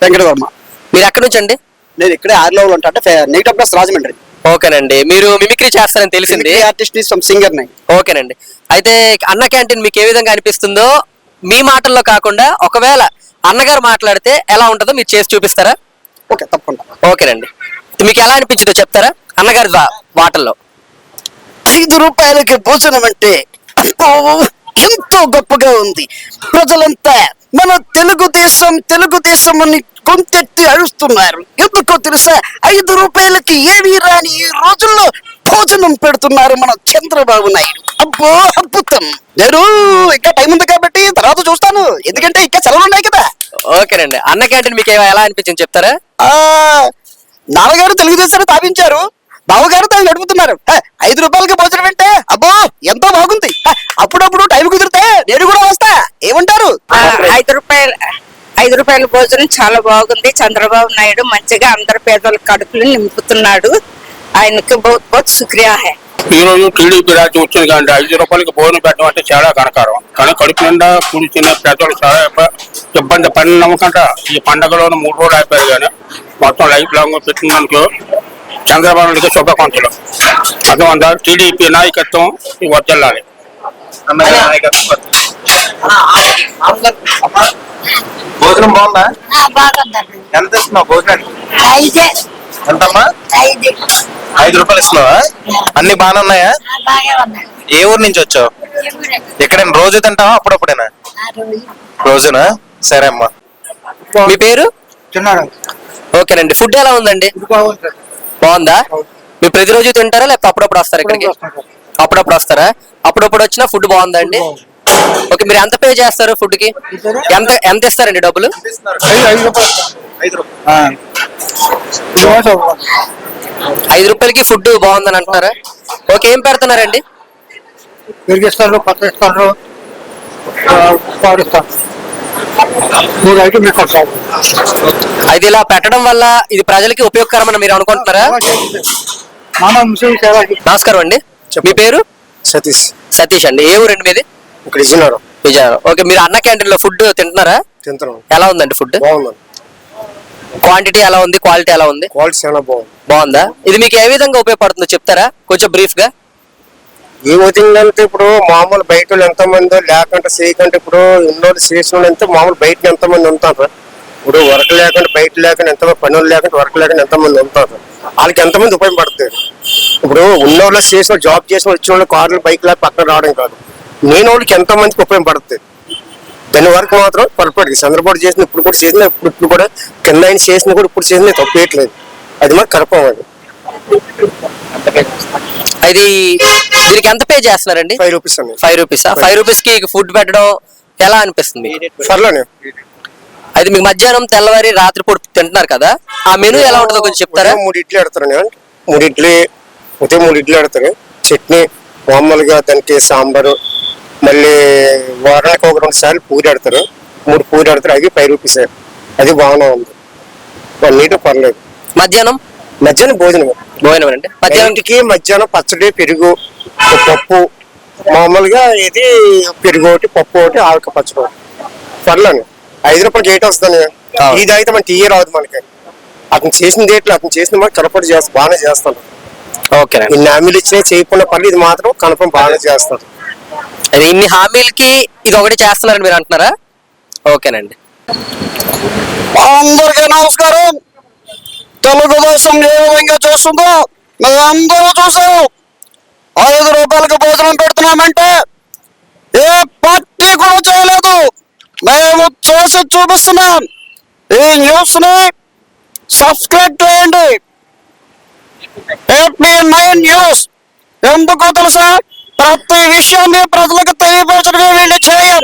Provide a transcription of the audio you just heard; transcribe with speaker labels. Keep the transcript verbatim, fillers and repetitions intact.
Speaker 1: వెంకటవర్మ.
Speaker 2: మీరు ఎక్కడి నుంచి అండి?
Speaker 1: నేను ఇక్కడే ఆరులో ఉంటా, అంటే నెగిటివ్ ప్లస్ రాజమండ్రి.
Speaker 2: ఓకేనండి. మీరు మిమిక్రీ చేస్తారని తెలిసింది.
Speaker 1: ఆర్టిస్ట్ సింగర్ ని.
Speaker 2: ఓకేనండి. అయితే అన్న క్యాంటీన్ మీకు ఏ విధంగా అనిపిస్తుందో మీ మాటల్లో కాకుండా ఒకవేళ అన్నగారు మాట్లాడితే ఎలా ఉంటుందో మీరు చేసి చూపిస్తారా?
Speaker 1: ఓకే, తప్పకుండా.
Speaker 2: ఓకేనండి. మీకు ఎలా అనిపించిందో చెప్తారా అన్నగారి మాటల్లో?
Speaker 1: ఐదు రూపాయలకి భోజనం అంటే ఎంతో గొప్పగా ఉంది. ప్రజలంతా మన తెలుగుదేశం తెలుగుదేశం అని కొంచెత్తి అరుస్తున్నారు. ఎందుకో తెలుసా? ఐదు రూపాయలకి ఏమీ రాని ఈ రోజుల్లో భోజనం పెడుతున్నారు మన చంద్రబాబు నాయుడు. అబ్బో అద్భుతం. నేను ఇంకా టైం ఉంది కాబట్టి తర్వాత చూస్తాను, ఎందుకంటే ఇంకా సెలవులు ఉన్నాయి కదా.
Speaker 2: ఓకేనండి. అన్న క్యాంటీన్ మీకు ఎలా అనిపించింది చెప్తారా?
Speaker 1: ఆ నాన్నగారు తెలుగుదేశాన్ని స్థాపించారు, బావగారు దాన్ని నడుపుతున్నారు. ఐదు రూపాయలకి భోజనం అంటే అబ్బో ఎంతో బాగుంది. అప్పుడప్పుడు టైం కుదిరితే నేను కూడా వస్తా, ఏమంటారు?
Speaker 3: ఐదు రూపాయలు ఐదు రూపాయల భోజనం చాలా బాగుంది. చంద్రబాబు నాయుడు మంచిగా అందరు పేదల కడుపులు నింపుతున్నాడు. ఆయనకి బహుత్ బహుత్ శుక్రియా హై.
Speaker 4: ఈ రోజు టీడీపీ రాజ్యం వచ్చింది కానీ ఐదు రూపాయలకి భోజనం పెట్టడం అంటే చాలా కనకారం. కానీ కడుపు నిండా కూడి తినే పేదలు చాలా ఇబ్బంది పడిన నమ్మకంట ఈ పండగలోనే మూడు రోజులు అయిపోయారు. కానీ మొత్తం లైఫ్ లాంగ్ పెట్టినందుకు చంద్రబాబు నాయుడుకి శుభాకాంక్షలు. అందువల్ల టీడీపీ నాయకత్వం వర్ధిల్లాలి.
Speaker 5: భోజనం బాగుందా? ఎంత ఇస్తున్నావు భోజనానికి? ఎంతమ్మా? ఐదు రూపాయలు ఇస్తున్నావా? అన్ని బాగానే ఉన్నాయా? ఏ ఊరు నుంచి వచ్చావు? ఎక్కడైనా రోజు తింటావా అప్పుడప్పుడేనా? రోజునా? సరే అమ్మా.
Speaker 2: మీ పేరు? ఓకేనండి. ఫుడ్ ఎలా ఉందండి? బాగుందా? మీరు ప్రతిరోజు తింటారా లేకపోతే అప్పుడప్పుడు వస్తారా ఇక్కడికి? అప్పుడప్పుడు వస్తారా? అప్పుడప్పుడు వచ్చినా ఫుడ్ బాగుందా అండి? ఓకే. మీరు ఎంత పే చేస్తారు ఫుడ్ కి? ఎంత ఎంత ఇస్తారండి డబ్బులు? ఐదు రూపాయలకి ఫుడ్ బాగుందని అంటున్నారా? ఓకే. ఏం పెడుతున్నారండి?
Speaker 6: పెరిగిస్తారు, పత్తిస్తారు, పాడిస్తారు.
Speaker 2: అది ఇలా పెట్టడం వల్ల ఇది ప్రజలకి ఉపయోగకరమని మీరు అనుకుంటున్నారా? నమస్కారం అండి. మీ పేరు?
Speaker 1: సతీష్.
Speaker 2: సతీష్ అండి. ఏ ఊరండి మీది?
Speaker 1: ఇక్కడ విజయనగరం.
Speaker 2: విజయనగరం. ఓకే. మీరు అన్న క్యాంటీన్ లో ఫుడ్ తింటున్నారా?
Speaker 1: తింటున్నాం.
Speaker 2: ఎలా ఉందండి ఫుడ్?
Speaker 1: బాగుంది.
Speaker 2: క్వాంటిటీ ఎలా ఉంది, క్వాలిటీ ఎలా ఉంది?
Speaker 1: క్వాలిటీ చాలా బాగుంది.
Speaker 2: బాగుందా? ఇది మీకు ఏ విధంగా ఉపయోగపడుతుందో చెప్తారా కొంచెం బ్రీఫ్ గా?
Speaker 1: ఏమవుతుందంటే ఇప్పుడు మామూలు బయట వాళ్ళు ఎంతో మంది లేకుంటే చేయకంటే ఇప్పుడు ఎన్నో చేసిన అంటే మామూలు బయట ఎంతో మంది ఉంటారు. ఇప్పుడు వర్క్ లేకుండా బయట లేకుండా ఎంతమంది పనులు లేకుండా వర్క్ లేకుండా ఎంతమంది ఉంటారు. వాళ్ళకి ఎంతమంది ఉపయోగపడుతుంది. ఇప్పుడు ఉన్న వాళ్ళు చేసిన జాబ్ చేసిన వచ్చిన వాళ్ళు కార్లు బైక్ లేక పక్కన రావడం కాదు, నేను వాళ్ళకి ఎంతో మందికి ఉపయోగపడుతుంది. దాని వరకు మాత్రం పొరపాటు చంద్రబాబు చేసిన ఇప్పుడు కూడా చేసిన ఇప్పుడు ఇప్పుడు కూడా కింద ఆయన చేసిన కూడా ఇప్పుడు చేసిన తప్పేయట్లేదు. అది మాకు కరపం. అది
Speaker 2: అది దీనికి ఎంత పే చేస్తున్నారండి?
Speaker 1: ఫైవ్ రూపీస్ అండి.
Speaker 2: ఫైవ్ రూపీస్ ఫైవ్ రూపీస్ కి ఫుడ్ పెట్టడం ఎలా అనిపిస్తుంది?
Speaker 1: పర్లేనే.
Speaker 2: అది మీకు మధ్యాహ్నం తెల్లవారి రాత్రి పూట తింటున్నారు కదా, ఆ మెనూ ఎలా ఉంటుందో కొంచెం చెప్తారా?
Speaker 1: మూడు ఇడ్లీ ఆడతారు, మూడు ఇడ్లీ ఉదయం మూడు ఇడ్లీ ఆడతారు, చట్నీ మామూలుగా దానికి సాంబారు, మళ్ళీ వారానికి ఒక రెండు సార్లు పూరి ఆడతారు, మూడు పూరి ఆడతారు. అవి ఫైవ్ రూపీస్. అది బాగానే ఉంది, నీట్ పర్లేదు.
Speaker 2: మధ్యాహ్నం
Speaker 1: మధ్యాహ్నం భోజనం
Speaker 2: భోజనం అండి.
Speaker 1: మధ్యాహ్నంకి మధ్యాహ్నం పచ్చడి, పెరుగు, పప్పు, మామూలుగా ఇది పెరుగు ఒకటి, పప్పు ఒకటి, ఆవిక పచ్చడి ఒకటి. పర్లేదు. ఐదు రూపాయలకి ఏటి వస్తుంది. ఇది అయితే మన టీయే రాదు మనకి. అతను చేసిన డేట్లు అతను చేసిన మాట కనపడి చేస్తా బాగానే చేస్తాను.
Speaker 2: ఓకే.
Speaker 1: ఇన్ని హామీలు ఇచ్చినా చేయకుండా పర్లేదు, ఇది మాత్రం కన్ఫర్మ్ బాగానే చేస్తాడు.
Speaker 2: అది ఇన్ని హామీలకి ఇది ఒకటి చేస్తున్నారని మీరు అంటున్నారా? ఓకేనండి.
Speaker 1: అందరికీ నమస్కారం. తెలుగుదేశం ఏ విధంగా చేస్తుందో మేము అందరూ చూసాము. ఐదు రూపాయలకి భోజనం పెడుతున్నామంటే ఏ పార్టీ కూడా చేయలేదు, మేము చేసి చూపిస్తున్నాం. ఈ న్యూస్ ని సబ్స్క్రైబ్ చేయండి. AP nine news. ఎందుకో తెలుసా? ప్రతి విషయాన్ని ప్రజలకు తెలియపరచడమే వీళ్ళు చేయం.